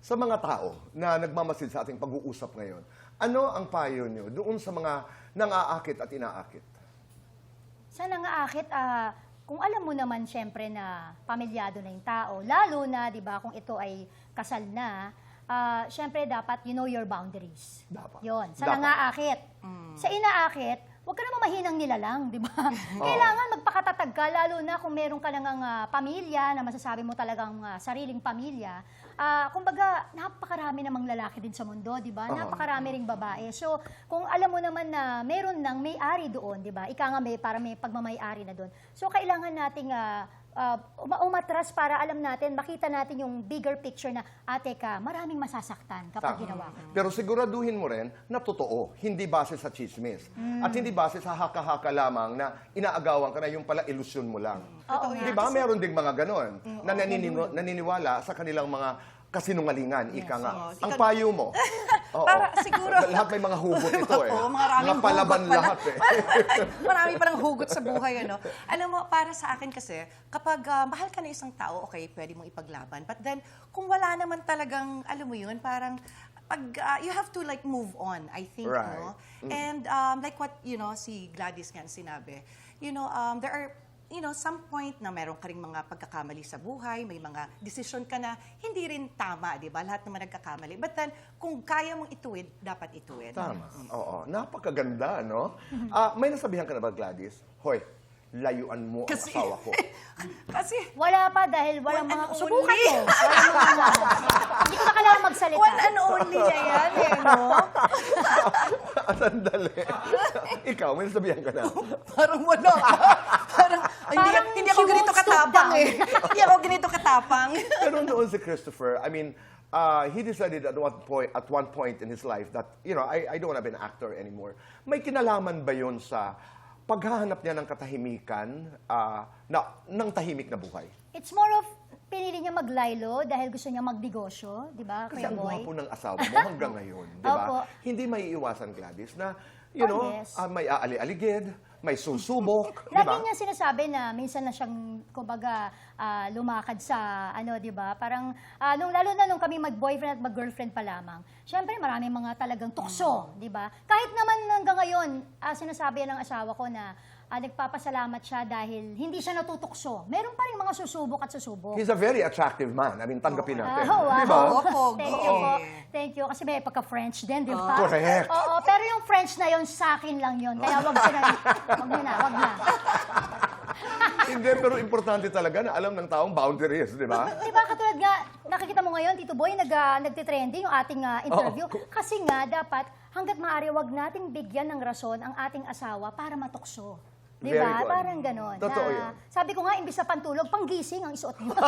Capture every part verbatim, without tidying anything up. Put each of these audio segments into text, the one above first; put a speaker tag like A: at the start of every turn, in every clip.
A: Sa mga tao na nagmamasid sa ating pag-uusap ngayon, ano ang payo nyo doon sa mga nang-aakit at inaakit?
B: Sa nangaakit, ah, kung alam mo naman siyempre na pamilyado na yung tao, lalo na, di ba, kung ito ay kasal na, ah, siyempre dapat you know your boundaries.
A: Dapat.
B: Yun. Sa
A: Dapat.
B: nangaakit. Sa inaakit, huwag ka naman mahinang nilalang, di ba? Kailangan magpakatatag ka, lalo na kung meron ka nang uh, pamilya, na masasabi mo talagang uh, sariling pamilya. Uh, kumbaga, napakarami namang lalaki din sa mundo, di ba?
A: Uh-huh.
B: Napakarami ring babae. So, kung alam mo naman na meron nang may-ari doon, di ba? Ika nga may, para may pagmamay-ari na doon. So, kailangan nating uh, uh, umatras para alam natin, makita natin yung bigger picture na, ate ka, maraming masasaktan kapag
A: Tama.
B: ginawa ko.
A: Pero siguraduhin mo rin na totoo, hindi base sa chismis. At hindi base sa haka-haka lamang na inaagawan ka na yung pala ilusyon mo lang.
B: Oo
A: Di
B: nga.
A: ba? Meron ding mga ganon na naniniwa- naniniwala sa kanilang mga kasinungalingan, ika nga.
C: Yes.
A: Ang payo mo. Oo.
C: Para siguro-
A: Lahat may mga hugot ito eh.
C: Oo, maraming
A: mga palaban
C: hugot pala.
A: lahat eh.
C: Marami parang hugot sa buhay, ano. Alam mo, para sa akin kasi, kapag ah, mahal ka na isang tao, okay, pwede mong ipaglaban. But then, kung wala naman talagang, alam mo yun, parang, pag, ah, you have to like move on, I think,
A: Right.
C: no? And um, like what, you know, si Gladys nga sinabi, you know, um, there are, you know, some point na meron ka ring mga pagkakamali sa buhay, may mga decision ka na hindi rin tama, di ba? Lahat naman nagkakamali. But then, kung kaya mong ituwid, dapat ituwid.
A: Tama. Oo. Napakaganda, no? Ah, may nasabihan ka na ba, Gladys? Hoy, layuan mo
C: Kasi-
A: ang asawa ko.
C: Kasi,
B: Wala pa dahil walang
C: One
B: mga...
C: and
B: Subukan
C: only.
B: mo. Walang mga... Hindi ko na kailangan magsalita.
C: one and only niya yan, eh, no?
A: Sandali. Ikaw, may nasabihan ka na.
C: Parang wala. Parang, hindi,
B: Parang
C: hindi ako
B: she
C: ganito
B: won't stoop
C: katapang
B: down.
C: eh. Hindi ako ganito katapang.
A: Pero noon si Christopher, I mean, uh, he decided at one point at one point in his life that, you know, I, I don't want to be an actor anymore. May kinalaman ba yun sa paghahanap niya ng katahimikan, uh, na, ng tahimik na buhay?
B: It's more of pinili niya maglaylo dahil gusto niya magnegosyo, di ba,
A: Kasi
B: Kuya
A: ang
B: Boy?
A: gwapo ng asawa mo hanggang ngayon, di ba?
B: Opo.
A: Hindi may iwasan, Gladys, na, you
B: Oh,
A: know,
B: yes.
A: ah, may aali-aligid, may susubok, di
B: Lagi
A: ba?
B: niya sinasabi na minsan na siyang, kumbaga, ah, lumakad sa, ano, di ba? Parang, ah, nung, lalo na nung kami mag-boyfriend at mag-girlfriend pa lamang, syempre maraming mga talagang tukso, di ba? Kahit naman hanggang ngayon, ah, sinasabi ng asawa ko na, ah, nagpapasalamat siya dahil hindi siya natutukso. Meron pa rin mga susubok at susubok.
A: He's a very attractive man. I mean, tanggapin natin.
B: Ah, wow.
A: Di ba?
C: Oo, pogi.
B: Thank you po. Thank you. Kasi may pagka-French din, di ba?
A: Correct.
B: Oo, pero yung French na yun, sa akin lang yun. Kaya wag sila, wag nyo na, wag na.
A: Hindi, pero importante talaga na alam ng taong boundaries, di ba?
B: Di ba, katulad nga, nakikita mo ngayon, Tito Boy, nag, uh, nagtitrending yung ating ah, interview.
A: Oo.
B: Kasi nga, dapat, hanggat maaari, wag nating bigyan ng rason ang ating asawa para matukso. Di
A: Very
B: ba?
A: good.
B: Parang ganon.
A: Totoo
B: na,
A: yun.
B: Sabi ko nga, imbis na pantulog, panggising ang isuot niyo.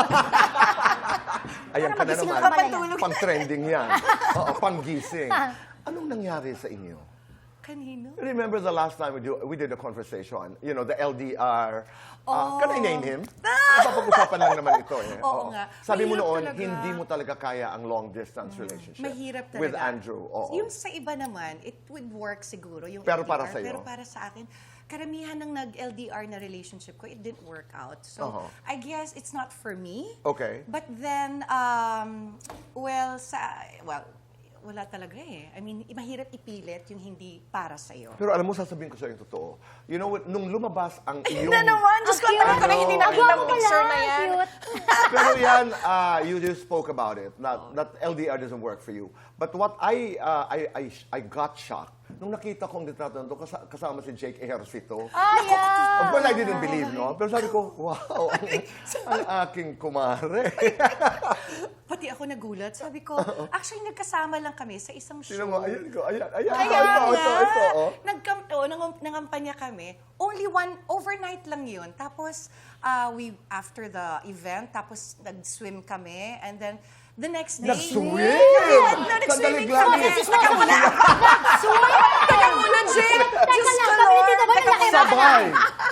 A: Ayan ka na
B: magising
A: naman.
B: ka pala
C: yan.
A: Pang-trending yan. Oo, pang-gising. Anong nangyari sa inyo?
C: Kanino?
A: Remember the last time we, do, we did a conversation, you know, the L D R. Uh,
C: Oh.
A: Can I name him? Napapag-usapan lang naman ito eh.
C: Oo nga.
A: Sabi mo
C: Mahirap
A: noon,
C: talaga.
A: hindi mo talaga kaya ang long-distance relationship.
C: Mahirap talaga.
A: With Andrew. Oo.
C: Yung sa iba naman, it would work siguro. Yung
A: Pero
C: L D R,
A: para sa'yo?
C: Pero para sa akin, karamihan ng nag-L D R na relationship ko, it didn't work out. So,
A: Uh-huh.
C: I guess it's not for me.
A: Okay.
C: But then, um, well, sa, well, wala talaga eh. I mean, mahirap ipilit yung hindi para sa'yo.
A: Pero alam mo, sasabihin ko sa'yo yung totoo. You know, what, nung lumabas ang iyong...
C: Na naman! Diyos ko,
B: Ang
C: naman
B: cute.
C: talaga hindi
A: Ano?
C: nakita ang
B: Gwapo
C: picture
B: pala,
C: na yan.
B: cute.
A: Pero yan, uh, you just spoke about it. That, that L D R doesn't work for you. But what I, uh, I, I, I got shocked nung nakita ko ang litrato nito kasa- kasama si Jake Ejercito.
B: Ah, yeah.
A: Of course, I didn't believe, no? Pero sabi ko, wow, ang, ang aking kumare.
C: Pati ako nagulat. Sabi ko, actually, nagkasama lang kami sa isang show.
A: Sino mo, ayan ko, ayan, ayan,
C: Kaya
A: ito, ito, ito,
C: nga,
A: ito, oh.
C: nagkam, oh, nangam- nangampanya kami. Only one, overnight lang yun. Tapos, uh, we, after the event, tapos nag-swim kami. And then, the next day...
A: Nag-swim?
C: Yeah,
A: Sandali,
C: nag-swimming
A: Gladys.
C: kami. Teka muna.
B: Nag-swim!
C: Teka muna, Jake.
B: Teka
C: Diyos
B: lang,
C: ko,
B: kami ni
C: Lord.
B: Tito Boy,
C: Teka
B: laki
C: muna.
B: ba?
A: Sabay.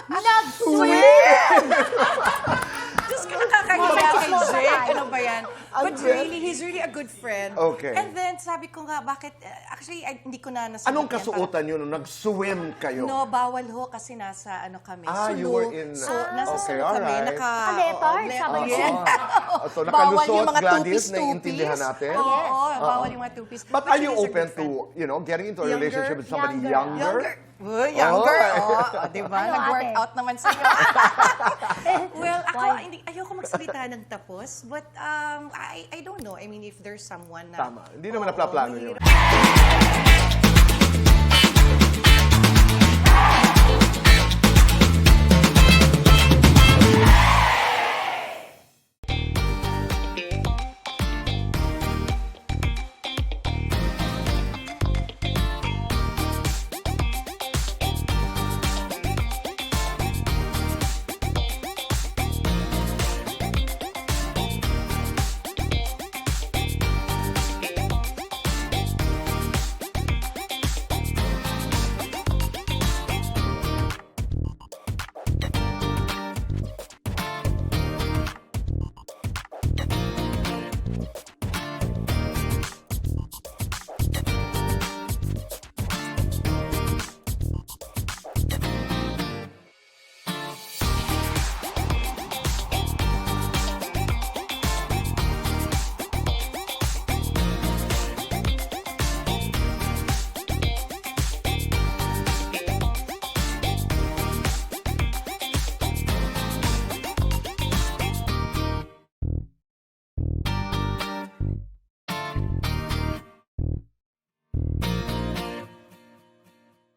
B: Nag-swim!
C: Diyos ko, nakakahiya kay Jake. Ano ba yan? But
A: And then-
C: really, he's really a good friend.
A: Okay.
C: And then, sabi ko nga, bakit, uh, actually, I, hindi ko na nasagot
A: Anong
C: yan.
A: kasuotan nyo nung nag-swim kayo?
C: No, bawal ho kasi nasa ano kami,
A: Ah,
C: Sulu.
A: you were in-
C: So,
A: Ah.
C: nasa
A: Okay,
C: Sulu kami.
A: alright.
C: Naka,
B: Naka-leopard,
C: oo,
B: sama
C: oh,
B: niyo.
C: yeah.
A: Oh, so
C: Bawal
A: nakalusot,
C: yung mga
A: Gladys,
C: two-piece,
A: naiintindihan
C: two-piece.
A: natin?
C: Oo,
A: Yes.
C: bawal
A: Oo.
C: yung mga two-piece.
A: But
C: But
A: are
C: he's
A: you
C: a good
A: open
C: friend.
A: to, you know, getting into a
C: Younger?
A: relationship with somebody
B: Younger.
A: younger?
C: Younger. Uy, younger.
A: Oh.
C: Oh, oh, di ba?
B: Ano,
C: Nag-workout naman sa'yo. Well, ako,
B: Why?
C: hindi, ayoko magsalita ng tapos. But um, I, I don't know. I mean, if there's someone na...
A: Tama. Hindi naman
C: Oo,
A: naplaplano
C: mahirap.
A: yun.